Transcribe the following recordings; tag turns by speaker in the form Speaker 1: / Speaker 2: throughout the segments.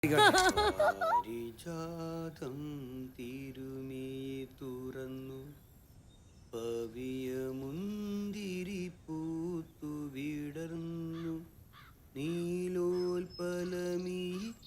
Speaker 1: പരിജാതം തിരുമേ തുറന്നു പവിയമുന്തിരി പൂത്തു വിടർന്നു നീലോൽപലമീ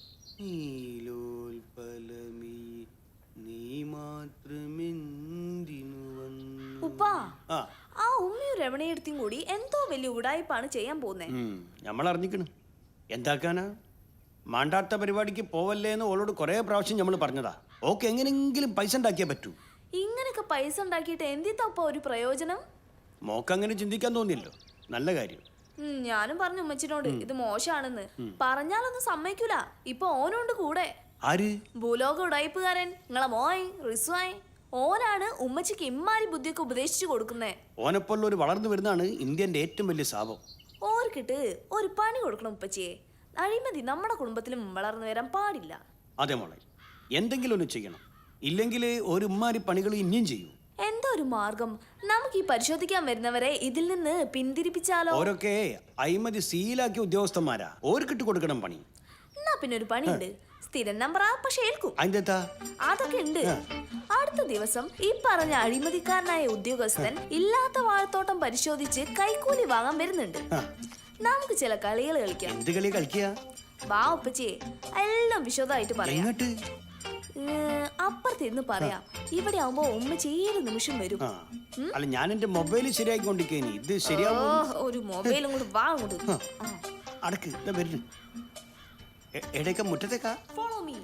Speaker 1: നീലോൽപലമീ നീ മാത്രമെന്തിനു വന്നു.
Speaker 2: ഉപ്പാ, ആ ഉമ്മയും രമണിയെടുത്തും കൂടി എന്തോ വലിയ ഉടായിപ്പാണ് ചെയ്യാൻ പോകുന്നേ.
Speaker 1: നമ്മൾ അറിഞ്ഞിക്കണ് എന്താക്കാനാ. മാണ്ടാത്ത പരിപാടിക്ക് പോവല്ലേ എന്ന് ഓളോട് കുറെ പ്രാവശ്യം നമ്മൾ പറഞ്ഞതാ. ഓക്കെ എങ്ങനെങ്കിലും പൈസ ഉണ്ടാക്കിയേ പറ്റൂ.
Speaker 2: ഇങ്ങനൊക്കെ പൈസ ഉണ്ടാക്കിയിട്ട് എന്തിത്തപ്പ ഒരു പ്രയോജനം?
Speaker 1: മോക്ക് അങ്ങനെ ചിന്തിക്കാൻ തോന്നിയല്ലോ, നല്ല കാര്യം.
Speaker 2: ഞാനും പറഞ്ഞു ഉമ്മച്ചിനോട് ഇത് മോശാണെന്ന്. പറഞ്ഞാലൊന്നും സമ്മതിക്കൂല. ഇപ്പൊ ഓനുണ്ട് കൂടെ.
Speaker 1: ആര്?
Speaker 2: ഭൂലോക ഉടായിപ്പുകാരൻ നിങ്ങളെ മോയ് റിസ്വായ്. ഓനാണ് ഉമ്മച്ചിക്ക് ഇമ്മാരി ബുദ്ധിയൊക്കെ ഉപദേശിച്ചു കൊടുക്കുന്നേ.
Speaker 1: ഓനെപ്പോലുള്ള ഒരു വളർന്നു വരുന്നതാണ് ഇന്ത്യന്റെ ഏറ്റവും വലിയ ശാപം.
Speaker 2: ഓർക്കിട്ട് ഒരു പണി കൊടുക്കണം ഉപ്പച്ചിയെ. അഴിമതി നമ്മുടെ കുടുംബത്തിലും വളർന്നു വരാൻ പാടില്ല.
Speaker 1: അതെ മോളെ, എന്തെങ്കിലും ഒന്ന് ചെയ്യണം. ഇല്ലെങ്കിൽ ഒരു ഉമ്മാരി പണികൾ ഇനിയും ചെയ്യൂ.
Speaker 2: എന്താ ഒരു മാർഗം? നമുക്ക് ഈ പരിശോധിക്കാൻ വരുന്നവരെ ഇതിൽ നിന്ന് പിന്തിരിപ്പിച്ചാലോ?
Speaker 1: ഓരൊക്കെ അഴിമതി സീലാക്കിയ ഉദ്യോഗസ്ഥന്മാരാ. ഓർക്കിട്ട് കൊടുക്കണം പണി.
Speaker 2: എന്നാ പിന്നെ ഒരു പണിയുണ്ട്. സ്ഥിരം നമ്പറാ, പക്ഷെ ഏൽക്കും. അതൊക്കെ ഉണ്ട്. അടുത്ത ദിവസം ഈ പറഞ്ഞ അഴിമതിക്കാരനായ ഉദ്യോഗസ്ഥൻ ഇല്ലാത്ത വാഴത്തോട്ടം പരിശോധിച്ച് കൈക്കൂലി വാങ്ങാൻ വരുന്നുണ്ട്. നമുക്ക് ചില കളികൾ കളിക്കാം.
Speaker 1: എന്ത് കളി കളിക്കുക?
Speaker 2: വാ ഉപ്പച്ചിയെ, എല്ലാം വിശദമായിട്ട് പറയാം. അപ്പുറത്തിരുന്ന് പറയാം. ഇവിടെ ആവുമ്പോ ഉമ്മച്ചി ഏത് നിമിഷം വരും.
Speaker 1: അല്ല, ഞാൻ എന്റെ മൊബൈൽ ശരിയാക്കിക്കൊണ്ടിരിക്കേനി. ഇത് ശരിയാവോ?
Speaker 2: ഒരു മൊബൈലും കൂടി വാ അങ്ങോട്ട്.
Speaker 1: അടക്ക് വരുന്നു. എടേക്ക മുറ്റത്തേക്കാ.
Speaker 2: Follow me.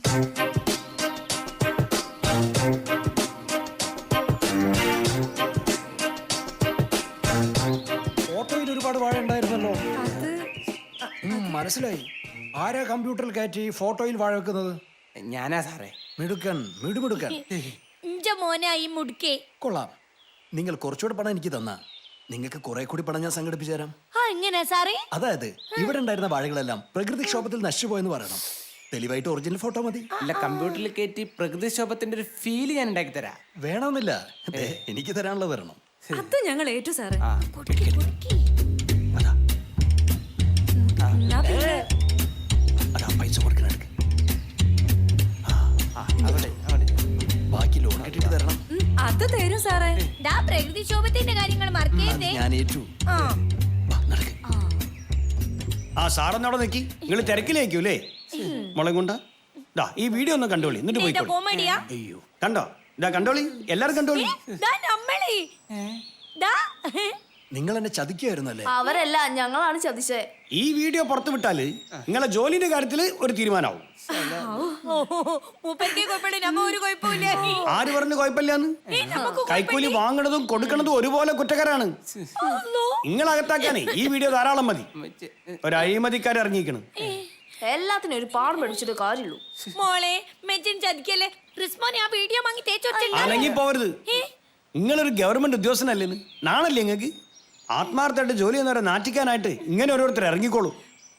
Speaker 3: ഫോട്ടോയിൽ ഒരുപാട് വാഴ ഉണ്ടായിരുന്നല്ലോ. മനസ്സിലായി. ആരാ കമ്പ്യൂട്ടറിൽ കയറ്റി ഫോട്ടോയിൽ വാഴ വെക്കുന്നത്?
Speaker 4: ഞാനാ സാറേ.
Speaker 3: മിടുക്കൻ, മിടുമിടുക്കൻ. കൊള്ളാം. നിങ്ങൾ കുറച്ചുകൂടെ പണം എനിക്ക് തന്നാ നിങ്ങൾക്ക് കുറെ കൂടി പണം ഞാൻ സംഘടിപ്പിച്ചു തരാം. അതായത് ഇവിടെ ഉണ്ടായിരുന്ന വാഴകളെല്ലാം പ്രകൃതിക്ഷോഭത്തിൽ നശിച്ചുപോയെന്ന് പറയണം. തെളിവായിട്ട് ഒറിജിനൽ ഫോട്ടോ മതി.
Speaker 4: അല്ല, കമ്പ്യൂട്ടറിൽ കയറ്റി പ്രകൃതിക്ഷോഭത്തിന്റെ ഒരു ഫീല് ഞാൻ ഉണ്ടാക്കി തരാം.
Speaker 3: വേണമെന്നില്ല, എനിക്ക് തരാനുള്ളത് തരണം.
Speaker 5: അത് ഞങ്ങൾ ഏറ്റു സാറേ.
Speaker 1: പൈസ കൊടുക്കണ ബാക്കി ലോൺ കിട്ടിട്ട് തരണം.
Speaker 5: അത് തരും സാറേ.
Speaker 6: പ്രകൃതിക്ഷോഭത്തിന്റെ കാര്യങ്ങൾ മറക്കരുതേ.
Speaker 1: ഞാൻ ഏറ്റു. ആ സാറെന്നവിടെ നിൽക്കി. നിങ്ങൾ തിരക്കിലേക്കൂലേ മുളക് കൊണ്ട. ഈ വീഡിയോ ഒന്ന് കണ്ടോളി, എന്നിട്ട് പോയി. അയ്യോ, കണ്ടോ? ഇതാ കണ്ടോളി, എല്ലാരും കണ്ടോളി.
Speaker 3: നിങ്ങൾ എന്നെ ചതിക്കുമായിരുന്നല്ലേ?
Speaker 2: അവരല്ല, ഞങ്ങളാണ് ചതിച്ചേ.
Speaker 1: ഈ വീഡിയോ പുറത്തു വിട്ടാല് നിങ്ങളെ ജോലിന്റെ കാര്യത്തില് ഒരു തീരുമാനമാവും. ആര് പറഞ്ഞു കുഴപ്പമില്ലാന്ന്? കൈക്കൂലി വാങ്ങണതും കൊടുക്കണതും ഒരുപോലെ കുറ്റക്കാരാണ്. നിങ്ങളകത്താക്കാനേ ഈ വീഡിയോ ധാരാളം മതി. ഒരു അഴിമതിക്കാരെ ഇറങ്ങിക്കണം.
Speaker 2: എല്ലാത്തിനും ഒരു പാഠം പഠിച്ചിട്ട് കാര്യമുള്ളൂ.
Speaker 6: മോളെ മെച്ചിൻ ചതിക്കല്ലേ. റിസ്മോനെ ആ വീഡിയോ വാങ്ങി
Speaker 1: അനങ്ങി പോവരുത്. നിങ്ങളൊരു ഗവൺമെന്റ് ഉദ്യോഗസ്ഥനല്ലേന്ന് നാണല്ലേ നിങ്ങൾക്ക്? ആത്മാർത്ഥമായിട്ട് ജോലി ചെയ്യുന്നവരെ നാറ്റിക്കാനായിട്ട് ഇങ്ങനെ ഓരോരുത്തർ ഇറങ്ങിക്കോളൂ.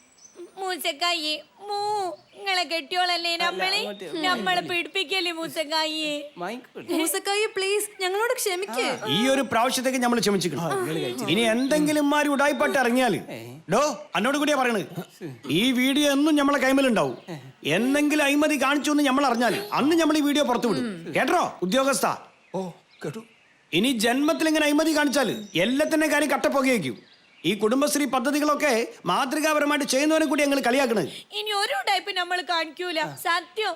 Speaker 6: നിങ്ങളെ കെട്ടിയോളല്ലേ നമ്മളെ പിടിപ്പിക്കല്ലേ മൂസക്കായി.
Speaker 5: പ്ലീസ് ഞങ്ങളോട് ക്ഷമിക്കേ.
Speaker 1: ഈ ഒരു പ്രാവശ്യത്തേക്ക് നമ്മൾ ക്ഷമിച്ചിക്കണം. ഇനി എന്തെങ്കിലും മാറി ഉടായിപ്പാട്ട് ഇറങ്ങിയാല് ഡോ എന്നോട് കൂടിയാ പറയണത്. ഈ വീഡിയോ എന്നും നമ്മളെ കൈമലുണ്ടാവും. എന്തെങ്കിലും അഴിമതി കാണിച്ചു എന്ന് നമ്മൾ അറിഞ്ഞാൽ അന്ന് നമ്മൾ ഈ വീഡിയോ പുറത്തു വിടും. കേട്ടോ ഉദ്യോഗസ്ഥ?
Speaker 3: ഓ കേട്ടു.
Speaker 1: ഇനി ജന്മത്തിൽ ഇങ്ങനെ അഴിമതി കാണിച്ചാല് എല്ലാത്തിന്റെ കാര്യം കട്ടപ്പുകയ്ക്കും. ഈ കുടുംബശ്രീ പദ്ധതികളൊക്കെ മാതൃകാപരമായിട്ട് ചെയ്യുന്നവരെ കൂടി ഞങ്ങൾ കളിയാക്കണത്.
Speaker 6: ഇനി ഒരു ടൈപ്പ് നമ്മൾ കാണിക്കൂല. സത്യം.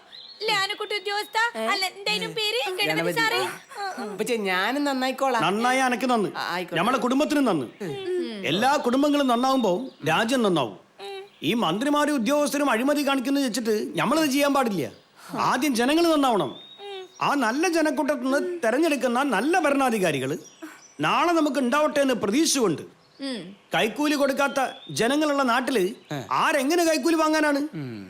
Speaker 4: ഞാനും നന്നായിക്കോളാം.
Speaker 1: നന്നായി അനക്ക് നന്ന്, നമ്മളെ കുടുംബത്തിനും നന്ന്. എല്ലാ കുടുംബങ്ങളും നന്നാവുമ്പോ രാജ്യം നന്നാവും. ഈ മന്ത്രിമാരും ഉദ്യോഗസ്ഥരും അഴിമതി കാണിക്കുന്നത് വെച്ചിട്ട് നമ്മളത് ചെയ്യാൻ പാടില്ല. ആദ്യം ജനങ്ങൾ നന്നാവണം. ആ നല്ല ജനക്കൂട്ടത്തിൽ നിന്ന് തെരഞ്ഞെടുക്കുന്ന നല്ല ഭരണാധികാരികൾ നാളെ നമുക്ക് ഉണ്ടാവട്ടെ എന്ന് പ്രതീക്ഷിച്ചുകൊണ്ട് കൈക്കൂലി കൊടുക്കാത്ത ജനങ്ങളുള്ള നാട്ടില് ആരെങ്ങനെ കൈക്കൂലി വാങ്ങാനാണ്?